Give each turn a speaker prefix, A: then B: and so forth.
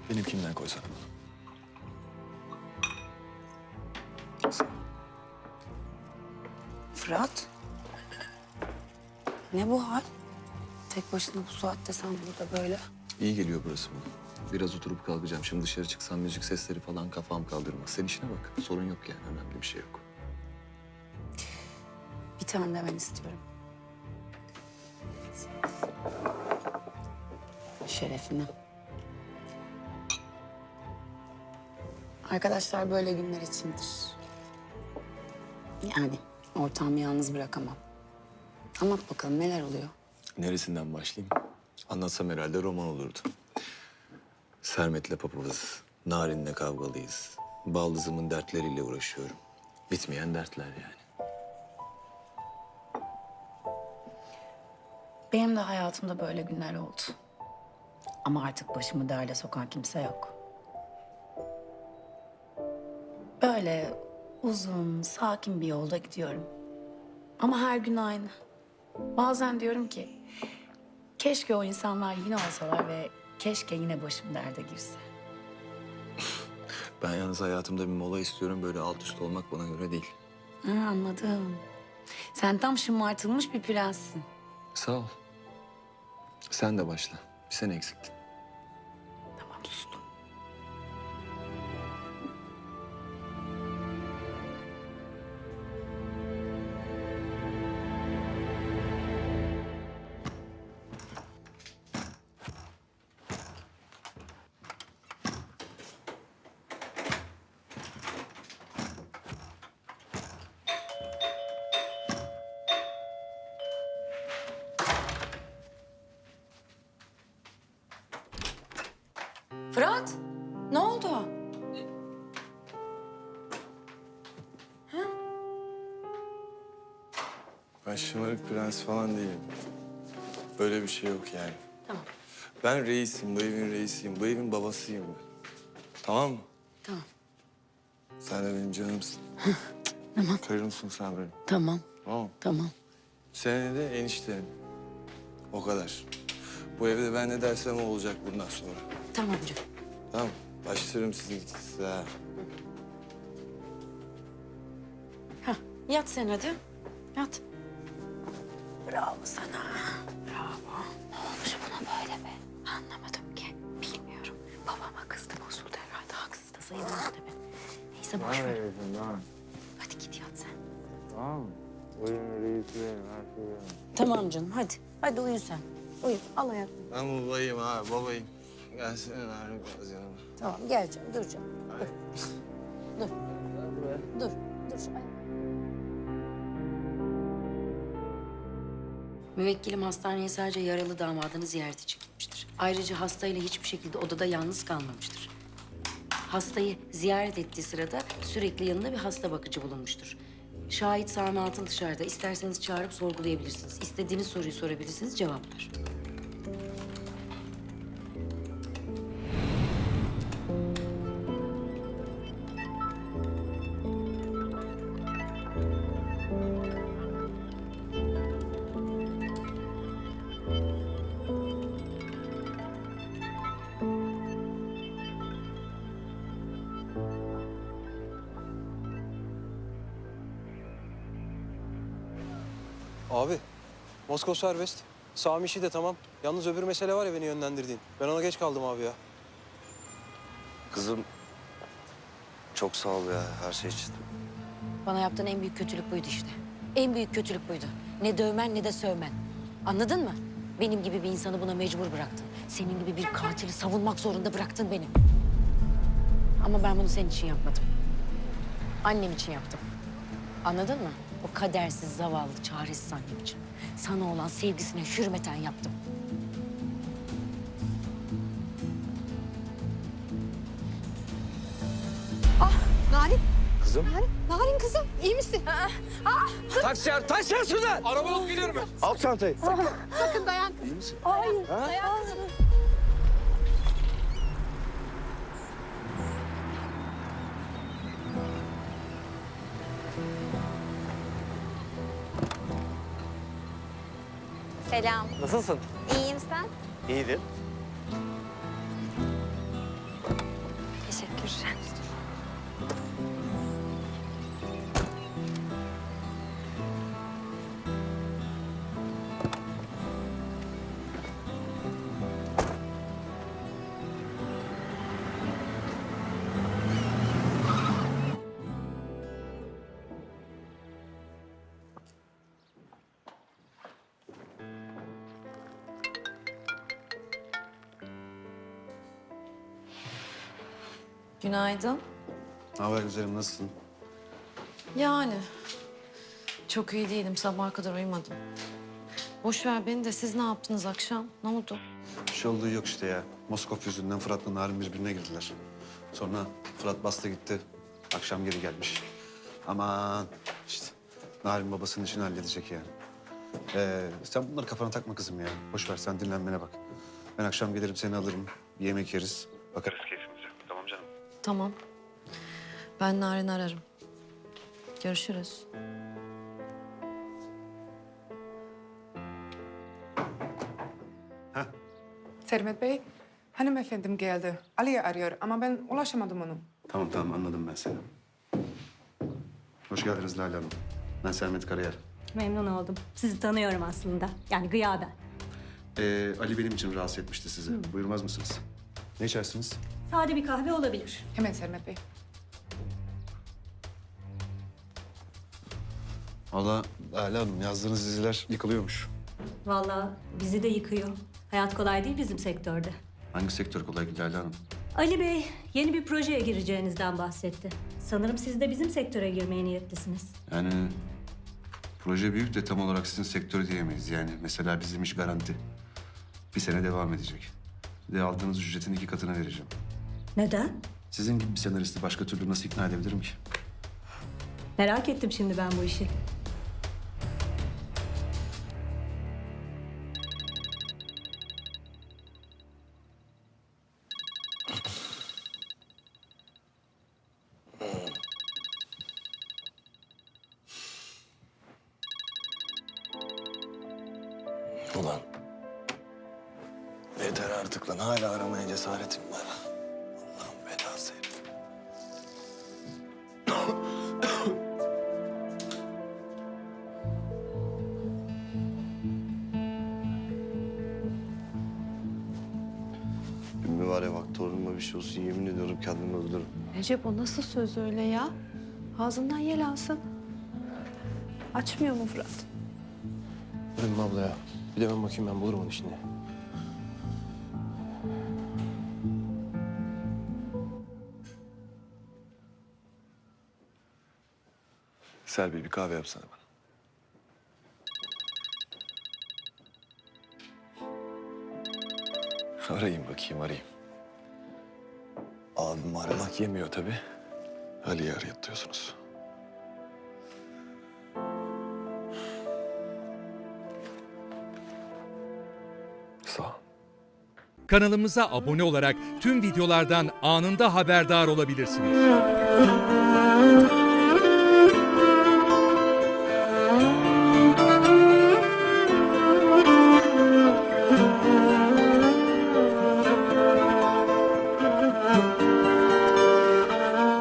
A: Benimkinden koysana.
B: Fırat. Ne bu hal? Tek başına bu saatte sen burada böyle.
A: İyi geliyor burası bana. Biraz oturup kalkacağım. Şimdi dışarı çıksam müzik sesleri falan kafam kaldırmaz. Sen işine bak. Sorun yok yani. Önemli bir şey yok.
B: Bir tane de ben istiyorum. Şerefine. Arkadaşlar böyle günler içindir. Yani ortağımı yalnız bırakamam. Anlat bakalım neler oluyor?
A: Neresinden başlayayım? Anlatsam herhalde roman olurdu. Sermet'le papazız. Narin'le kavgalıyız. Baldızımın dertleriyle uğraşıyorum. Bitmeyen dertler yani.
B: Benim de hayatımda böyle günler oldu. Ama artık başımı derde sokan kimse yok. Böyle uzun, sakin bir yolda gidiyorum. Ama her gün aynı. Bazen diyorum ki, keşke o insanlar yine olsalar ve keşke yine başım derde girse.
A: Ben yalnız hayatımda bir mola istiyorum. Böyle alt üst olmak bana göre değil.
B: Ha, anladım. Sen tam şımartılmış bir prenssin.
A: Sağ ol. Sen de başla. Bir sen eksiktin.
B: Tamam, sustum. Fırat, ne oldu?
C: Ben şımarık prens falan değilim. Böyle bir şey yok yani.
B: Tamam,
C: Ben reisim, bu evin reisiyim. Bu evin babasıyım ben. Tamam mı?
B: tamam,
C: Sen de benim canımsın. Tamam. Karımsın sen benim.
B: tamam,
C: Tamam mı?
B: tamam.
C: Sen de eniştenim. O kadar. Bu evde ben ne dersem o olacak bundan sonra.
B: Tamam canım.
C: Tamam mı? Başlarım sizin size.
B: Hah, yat sen hadi. Yat. Bravo sana. Bravo. Ne olmuş buna böyle be? Anlamadım ki. Bilmiyorum. Babama kızdım. Bozuldu herhalde. Haksız da sayılmaz tabii. Neyse boş ver. Hadi git yat sen.
C: Tamam mı? Bu evin reisi benim, her şey benim.
B: Tamam canım hadi. Hadi uyu sen. Uyu. Al ayaklarını.
C: Ben babayım ha, babayım. Gelsene Narin biraz yanıma.
B: Tamam gel canım. Dur canım. Dur. Dur. Dur. Ay. Müvekkilim hastaneye sadece yaralı damadını ziyarete çıkmıştır. Ayrıca hastayla hiçbir şekilde odada yalnız kalmamıştır. Hastayı ziyaret ettiği sırada sürekli yanında bir hasta bakıcı bulunmuştur. Şahit Sami Altın dışarıda. İsterseniz çağırıp sorgulayabilirsiniz. İstediğiniz soruyu sorabilirsiniz, cevaplar.
D: Abi, Moskova serbest. Sami işi de tamam. Yalnız öbür mesele var ya beni yönlendirdiğin. Ben ona geç kaldım abi ya.
E: Kızım, çok sağ ol ya her şey için.
F: Bana yaptığın en büyük kötülük buydu işte. En büyük kötülük buydu. Ne dövmen ne de sövmen. Anladın mı? Benim gibi bir insanı buna mecbur bıraktın. Senin gibi bir katili savunmak zorunda bıraktın beni. Ama ben bunu senin için yapmadım. Annem için yaptım. Anladın mı? O kadersiz, zavallı, çaresiz annem için. Sana olan sevgisine hürmeten yaptım.
G: Narin,
E: Kızım.
G: Narin kızım iyi misin?
E: Taksi taksi şuradan.
D: Araba alıp geliyorum ben.
E: Al çantayı.
G: Sakın dayan kızım.
E: Hayır.
G: Dayan kızım.
H: Selam.
E: Nasılsın?
H: İyiyim sen?
E: İyidir.
H: Günaydın.
C: Ne haber güzelim, nasılsın?
H: Yani çok iyi değilim. Sabaha kadar uyumadım. Boş ver beni de siz ne yaptınız akşam? Ne oldu?
I: Bir şey olduğu yok işte ya. Moskov yüzünden Fırat'la Narin birbirine girdiler. Sonra Fırat bastı gitti. Akşam geri gelmiş. Aman işte Narin babasının işini halledecek yani. Sen bunları kafana takma kızım ya. Boş ver sen dinlenmene bak. Ben akşam gelirim seni alırım. Bir yemek yeriz. Bakarız keyfimize. Tamam canım.
H: Tamam. Ben Narin'i ararım. Görüşürüz.
J: Sermet Bey, hanımefendim geldi. Ali'yi arıyor ama ben ulaşamadım onu.
I: Tamam anladım ben seni. Hoş geldiniz Lale Hanım. Ben Sermet Karayel.
K: Memnun oldum. Sizi tanıyorum aslında. Yani gıyaben.
I: Ali benim için rahatsız etmişti sizi. Buyurmaz mısınız? Ne içersiniz?
K: Sade bir kahve olabilir.
J: Hemen Sermet Bey.
I: Valla Lale Hanım yazdığınız diziler yıkılıyormuş.
K: Vallahi bizi de yıkıyor. Hayat kolay değil bizim sektörde.
I: Hangi sektör kolay ki Lale Hanım?
K: Ali Bey yeni bir projeye gireceğinizden bahsetti. Sanırım siz de bizim sektöre girmeye niyetlisiniz.
I: Yani proje büyük de tam olarak sizin sektörü diyemeyiz. Yani mesela bizim iş garanti. Bir sene devam edecek. Bir de aldığınız ücretin 2 katını vereceğim.
K: Neden?
I: Sizin gibi bir senaristi başka türlü nasıl ikna edebilirim ki?
K: Merak ettim şimdi ben bu işi.
A: Ulan. Yeter artık lan. Hala aramaya cesaretim var. Allah'ın belası herif.
E: Ümmü var ya bak torunuma bir şey olsun yemin ediyorum kendimi öldürürüm.
G: Recep o nasıl söz öyle ya? Ağzından yel alsın. Açmıyor mu Fırat?
D: Ümmü abla ya. Bir de ben bakayım ben bulurum onu şimdi.
A: Selvi bir kahve yapsana bana. Arayayım bakayım arayayım. Abim aramak yemiyor tabii. Ali'yi arayatıyorsunuz. Sağ ol.
L: Kanalımıza abone olarak tüm videolardan anında haberdar olabilirsiniz.